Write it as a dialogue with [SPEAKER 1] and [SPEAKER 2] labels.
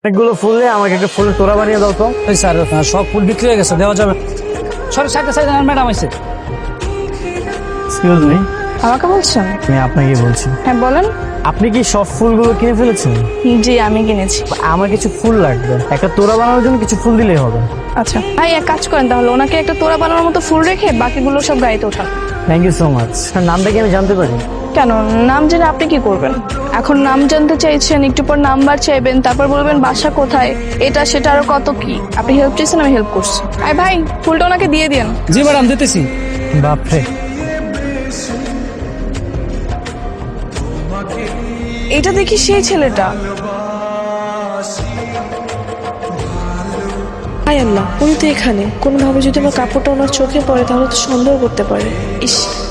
[SPEAKER 1] অনেকগুলো ফুল দিয়ে আমাকে একটা ফুলের তোড়া বানিয়ে দাও তো।
[SPEAKER 2] এই স্যার সব ফুল বিক্রি হয়ে গেছে, দেওয়া যাবে। সব সাইডে সাইডে ম্যাডাম আছে।
[SPEAKER 1] এক্সকিউজ মি,
[SPEAKER 3] আমাকে বলছেন?
[SPEAKER 1] আমি আপনাকে বলছি।
[SPEAKER 3] হ্যাঁ বলেন।
[SPEAKER 1] আপনি কি সব ফুলগুলো কিনে ফেলেছেন?
[SPEAKER 3] জি আমি কিনেছি।
[SPEAKER 1] আমার কিছু ফুল লাগবে, একটা তোড়া বানানোর জন্য কিছু ফুল দিলেই হবে।
[SPEAKER 3] আচ্ছা ভাই এক কাজ করেন তাহলে, ওনাকে একটা তোড়া বানানোর মতো ফুল রেখে বাকিগুলো সব গাড়িতে ওঠান।
[SPEAKER 1] Thank you so much. নামটা কি আমি জানতে পারি?
[SPEAKER 3] কেন, নাম জেনে আপনি কি করবেন? এখন নাম জানতে চাইছেন, একটু পর নাম্বার চাইবেন, তারপর বলবেন বাসা কোথায়, এটা সেটা আরো কত কি। আপনি হেল্প চাইছেন, আমি হেল্প করছি। আরে ভাই ফুলটা ওনাকে দিয়ে দিন।
[SPEAKER 2] জি ম্যাডাম দিতেছি।
[SPEAKER 1] বাপরে,
[SPEAKER 3] এটা দেখি সেই ছেলেটা।
[SPEAKER 4] হায় আল্লাহ, উনি তো এখানে। কোনোভাবে যদি আমার কাপড়টা ওনার চোখে পড়ে তাহলে তো সন্দেহ করতে পারে। ইস,